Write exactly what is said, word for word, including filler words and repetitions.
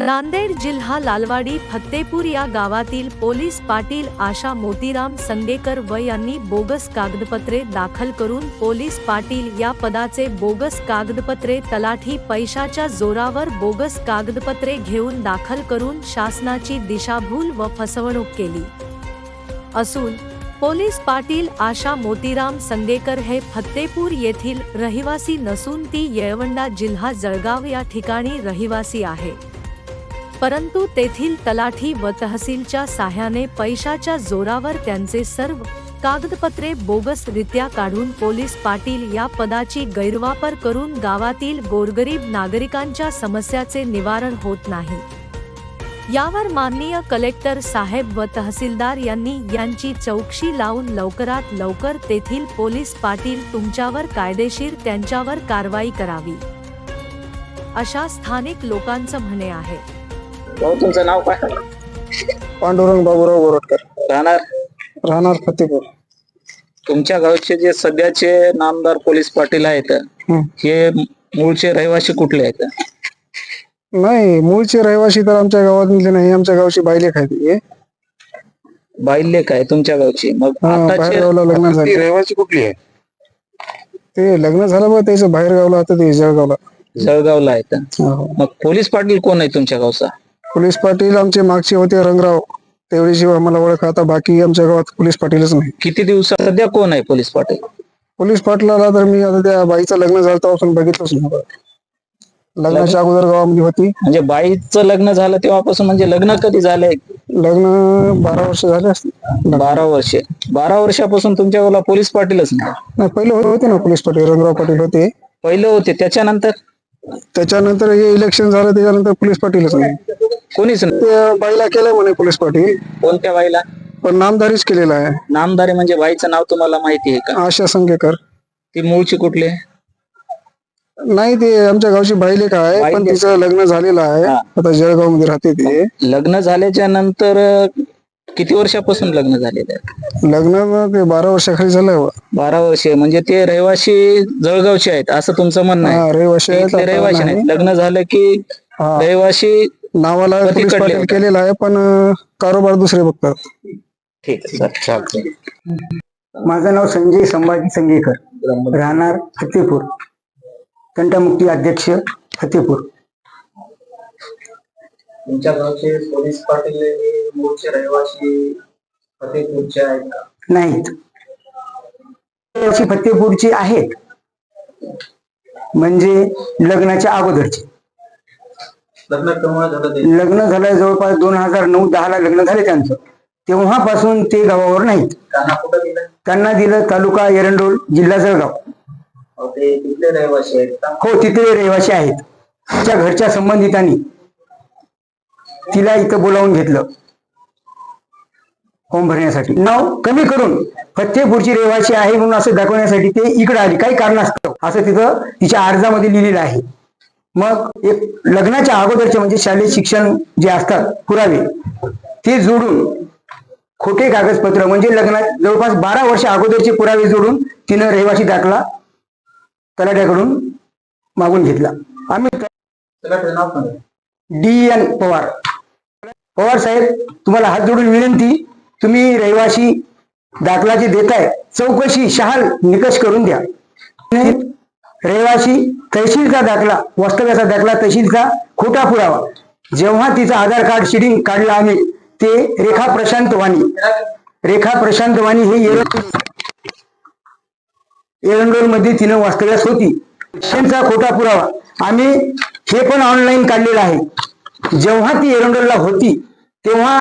नांदेड जिल्हा लालवाडी फत्तेपूर या गावातील पोलीस पाटील आशा मोतीराम संगेकर व यांनी बोगस कागदपत्रे दाखल करून पोलीस पाटील या पदाचे बोगस कागदपत्रे तलाठी पैशाच्या जोरावर बोगस कागदपत्रे घेऊन दाखल करून शासनाची दिशाभूल व फसवणूक केली असून पोलीस पाटील आशा मोतीराम संगेकर हे फत्तेपूर येथील रहिवासी नसून ती येळवंडा जिल्हा जळगाव या ठिकाणी रहिवासी आहे, परंतु तेथील तलाठी व तहसीलच्या साह्याने पैशाच्या जोरावर त्यांचे सर्व कागदपत्रे बोगसरित्या काढून पोलीस पाटील या पदाची गैरवापर करून गावातील गोरगरीब नागरिकांच्या समस्याचे निवारण होत नाही। यावर माननीय कलेक्टर साहेब व तहसीलदार यांनी यांची चौकशी लावून लवकरात लवकर तेथील पोलीस पाटील तुमच्यावर कायदेशीर त्यांच्यावर कारवाई करावी, अशा स्थानिक लोकांचं म्हणणे आहे। तुमचं नाव काय? पांडुरंग बाबूराव गोरटकर, राहणार राहणार फतेपूर। तुमच्या गावचे जे सध्याचे नामदार पोलीस पाटील आहेत हे मूळचे रहिवासी कुठले आहेत? नाही, मूळचे रहिवासी तर आमच्या गावातले नाही, आमच्या गावची बायलेख आहे। बायले काय तुमच्या गावची? मग बाहेर गावला लग्न झाले। रहिवासी कुठली आहे? ते लग्न झालं बघ, त्याचं बाहेर गावला आता, ते जळगावला जळगावला आहेत। मग पोलीस पाटील कोण आहे तुमच्या गावचा? पोलीस पाटील आमचे मागचे होते रंगराव, तेवढीशी आम्हाला ओळख, आता बाकी आमच्या गावात पोलीस पाटीलच नाही। किती दिवसात सध्या कोण आहे पोलीस पाटील? पोलीस पाटलाला तर मी आता त्या बाईचं लग्न झालं तेव्हापासून बघितलंच नाही। लग्नाच्या अगोदर गावामध्ये होती। म्हणजे बाईचं लग्न झालं तेव्हापासून? म्हणजे लग्न कधी झालंय? लग्न बारा वर्ष झाले असते। बारा वर्षे बारा वर्षापासून तुमच्या गावाला पोलीस पाटीलच नाही? नाही, पहिले होते ना पोलीस पाटील, रंगराव पाटील होते पहिले होते, त्याच्यानंतर त्याच्यानंतर हे इलेक्शन झालं, त्याच्यानंतर पोलीस पाटीलच नाही, कोणीच नाही। ते बाईला केलंय म्हणे पोलीस पाटील, कोणत्या बाईला? पण नामदारीच केलेला आहे। नामदारी म्हणजे बाईचं नाव तुम्हाला माहिती आहे का? आशा संगेकर। ती मूळची कुठली? नाही, ते आमच्या गावची बाईलेख आहे, पण तिचं लग्न झालेलं आहे, आता जळगाव मध्ये राहते ते। लग्न झाल्याच्या नंतर किती वर्षापासून लग्न झालेलं आहे? लग्न ते बारा वर्षाखाली झालंय। बारा वर्षे म्हणजे ते रहिवासी जळगावचे आहेत असं तुमचं म्हणणं आहे? रहिवासी आहेत, रहिवासी नाही, लग्न झालं की रहिवासी नावाला पोलीस पाटील केलेला आहे, पण कारोबार दुसरे बघतात। ठीक आहे सर, चालतंय। माझं नाव संजय संभाजी संगेकर, राहणार फतेपूर, तंटामुक्ती अध्यक्ष फतेपूर। तुमच्या गावचे पोलीस पाटील मूळचे रहिवासी फतेपूरचे आहेत का? नाहीत, फतेपूरचे आहेत, म्हणजे लग्नाच्या अगोदरचे। लग्न केव्हा झालं? लग्न झालं जवळपास दोन हजार नऊ दहा ला लग्न झाले त्यांचं, तेव्हापासून ते गावावर नाहीत। त्यांना दिलं तालुका एरंडोल, जिल्हा जळगाव। ते तिथले रहिवासी आहेत का? हो, तिथले रहिवासी आहेत। तिच्या घरच्या संबंधितांनी तिला इथं बोलावून घेतलं फॉर्म भरण्यासाठी, नाव कमी करून फतेपूरची रहिवासी आहे म्हणून असं दाखवण्यासाठी ते इकडे आली, काही कारणास्तव असं तिथं तिच्या अर्जामध्ये लिहिलेलं आहे। मग एक लग्नाच्या अगोदरचे म्हणजे शालेय शिक्षण जे असतात पुरावे, ते जोडून खोटे कागदपत्र म्हणजे लग्नात जवळपास बारा वर्ष अगोदरचे पुरावे जोडून तिनं रहिवासी दाखला तलाट्याकडून मागून घेतला। आम्ही डी एन पवार पवार साहेब, तुम्हाला हात जोडून विनंती, तुम्ही रहिवासी दाखला जे देताय चौकशी शहाल निकष करून द्या। रहिवासी तहसीलचा दाखला, वास्तव्याचा दाखला, तहसीलचा खोटा पुरावा, जेव्हा तिचं आधार कार्ड शीडिंग काढलं आम्ही, ते रेखा प्रशांत वाणी रेखा प्रशांत वाणी हे एरंडोल मध्ये तिनं वास्तव्यास होती, त्यांचा खोटा पुरावा आम्ही हे पण ऑनलाईन काढलेला आहे। जेव्हा ती एरंडोलला होती तेव्हा